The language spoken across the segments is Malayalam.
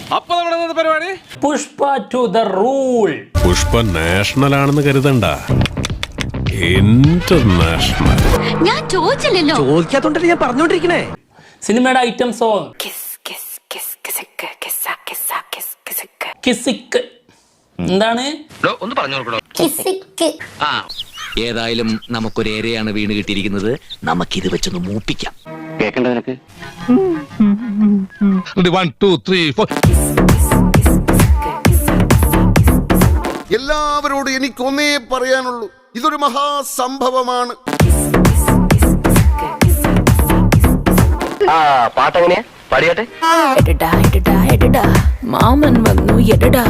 അപ്പൊ നമ്മുടെ പരിപാടി Pushpa two the rule. Pushpa national ആണെന്ന് കരുതണ്ട, ഇന്റർനാഷണൽ. ഞാൻ ചോദിച്ചില്ലല്ലോ. ചോദിക്കാത്തോണ്ടല്ലേ ഞാൻ പറഞ്ഞോണ്ടിരിക്കണേ. സിനിമയുടെ ഐറ്റം സോങ് കിസിക്ക്. എന്താണ്? ഒന്ന് പറഞ്ഞു കൊടുക്കണോ? ഏതായാലും നമുക്കൊരു ഏരയാണ് വീണ് കിട്ടിയിരിക്കുന്നത്. നമുക്കിത് വെച്ചൊന്ന് മൂപ്പിക്കാം. കേക്കണ്ടതിനൊക്കെ 1 2 3 4. എല്ലാവരോടും എനിക്കൊന്നേ പറയാനുള്ളൂ, ഇതൊരു മഹാസംഭവമാണ്. പാട്ടെങ്ങനെയാ? പാടിയാട്ടെ. മാമൻ വന്നു എടടാ.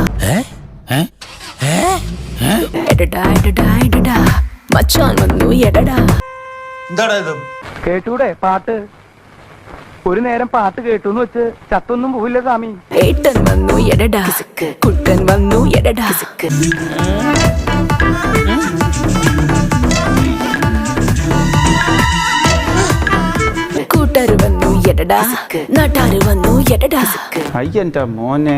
എടടാ മച്ചാൻ വന്നു എടടാ. കേട്ടൂടെ പാട്ട്? ഒരു നേരം പാട്ട് കേട്ടൂന്ന് വെച്ച് ചത്തൊന്നും പോവില്ല സ്വാമി. ഏട്ടൻ വന്നു എടടാ, കുട്ടൻ വന്നു എടടാ. കൂട്ടർ വന്നു എടടാ, നാട്ടാര് വന്നു എടടാ. അയ്യന്റെ മോനെ.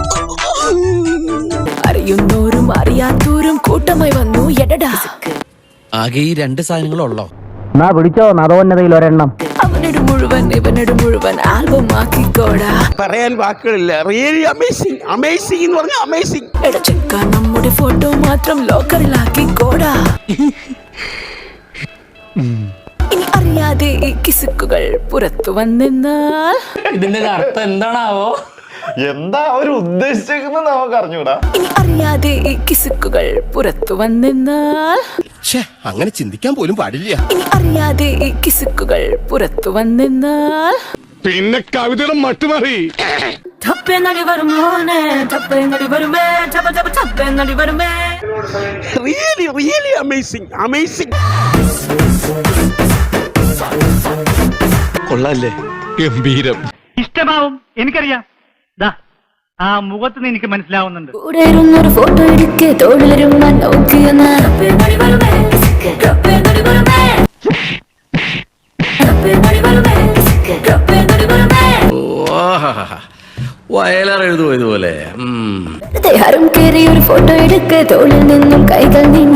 അറിയുന്നോരും അറിയാത്തോരും കൂട്ടമായി വന്നു എടടാ. ആകെ ഈ 2 സാധനങ്ങളുള്ളോ? എന്നാ പിടിച്ചോ നദോന്നതയിൽ ഒരെണ്ണം. അവനോട് മുഴുവൻ ഇവനോട് മുഴുവൻ ആൽബം ആക്കിക്കോടാ. പറയാൻ വാക്കുകളില്ല. റിയലി അമേസിംഗ്, അമേസിംഗ് എന്ന് പറഞ്ഞാൽ അമേസിംഗ്. എടച്ചക്ക നമ്മുടെ ഫോട്ടോ മാത്രം ലോക്കറിലാക്കിക്കോടാ. ഇനി അറിയാതെ ഈ കിസുക്കുകൾ പുറത്തു വന്നെന്നാൽ ഇതിന്റെ അർത്ഥം എന്താണാവോ? എന്താ അവര് ഉദ്ദേശിച്ചേക്കുന്നത് നമുക്ക് അറിഞ്ഞൂടാ. ഇനി അറിയാതെ ഈ കിസുക്കുകൾ പുറത്തു വന്നെന്നാൽ അങ്ങനെ ചിന്തിക്കാൻ പോലും പാടില്ല. ഇനി അറിയാതെ ഈ കിസുക്കുകൾ പുറത്തു വന്നെന്നാൽ പിന്നെ കവിതയുടെ മട്ടുമാറി. Really really amazing, amazing. കൊള്ളാല്ലേ? ഗംഭീരം. ഇഷ്ടമാവും എനിക്കറിയാം. ആ മുഖത്ത് എനിക്ക് മനസ്സിലാവുന്നുണ്ട്. കൂടെ ഇരുന്നൊരു ഫോട്ടോ എടുക്ക്, തോളിലിരുമ്മാൻ നോക്കിയെന്ന് വയലാർ ഇതുപോലെ ആരും കയറി ഒരു ഫോട്ടോ എടുക്ക്, തോളിൽ നിന്നും കൈകൾ നീണ്ട.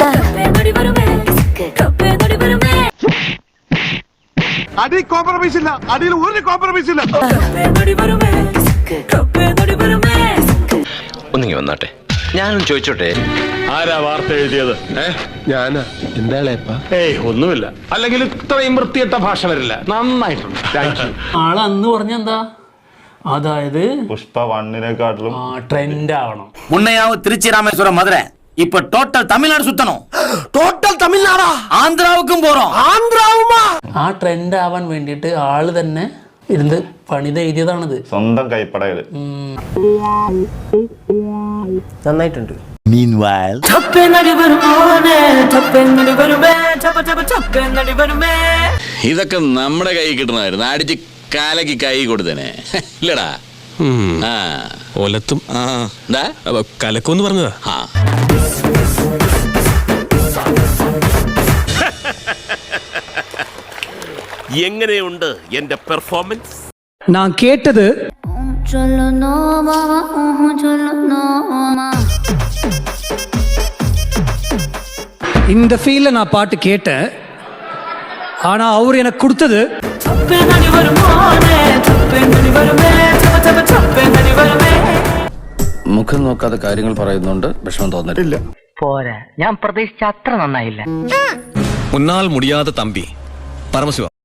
അടി കോംപ്രമൈസ് ഇല്ല, അടിയിൽ ഒരു കോംപ്രമൈസ് ഇല്ല. ഒന്നിങ്ങി വന്നാട്ടെ, ഞാനും ചോദിച്ചോട്ടെ. ആരാ വാർത്ത എഴുതിയത്? ഞാനാ. എന്താ? ഏയ് ഒന്നുമില്ല. അല്ലെങ്കിൽ ഇത്രയും വൃത്തിയിട്ട ഭാഷ വരില്ല. നന്നായിട്ടുണ്ട്. ആള് അന്ന് പറഞ്ഞെന്താ, അതായത് പുഷ്പ 1-നെക്കാട്ടിലും ട്രെൻഡ് ആവണം. മുന്നയാവ് തിരുച്ചി രാമേശ്വരം മധുര இப்ப டோட்டல் தமிழ்நாடு சுத்தணும். டோட்டல் தமிழ்நாடா? ஆந்திராவுக்கும் போறோம். ஆந்திராவுமா? ആ ട്രെൻഡ് ആവാൻ വേണ്ടിയിട്ട് ആള് തന്നെ ഇരുന്ന് പണിത് എഴുതിയതാണിത്. സ്വന്തം കൈപ്പടയില്. നന്നായിട്ടുണ്ട്. ഇതൊക്കെ നമ്മുടെ കൈ കിട്ടണമായിരുന്നു. അടിച്ച് കാലക്ക് കൈ കൊടുത്തേനെ ഇല്ലടാ. ഒലത്തും എന്താ കലക്കൊന്ന് പറഞ്ഞതാ. എങ്ങനെയുണ്ട് എന്റെ പെർഫോമൻസ്? ഞാൻ കേട്ടത് இந்த ஃபீல்ல நான் பாட்டு கேட்டேன். ஆனா அவர் எனக்கு கொடுத்தது മുഖം നോക്കാതെ കാര്യങ്ങൾ പറയുന്നുണ്ട്. വിഷമം തോന്നരുത്. പോരാ, ഞാൻ പ്രതീക്ഷിച്ച അത്ര നന്നായില്ല. ഉന്നാൽ മുടിയാതെ തമ്പി പരമശിവ.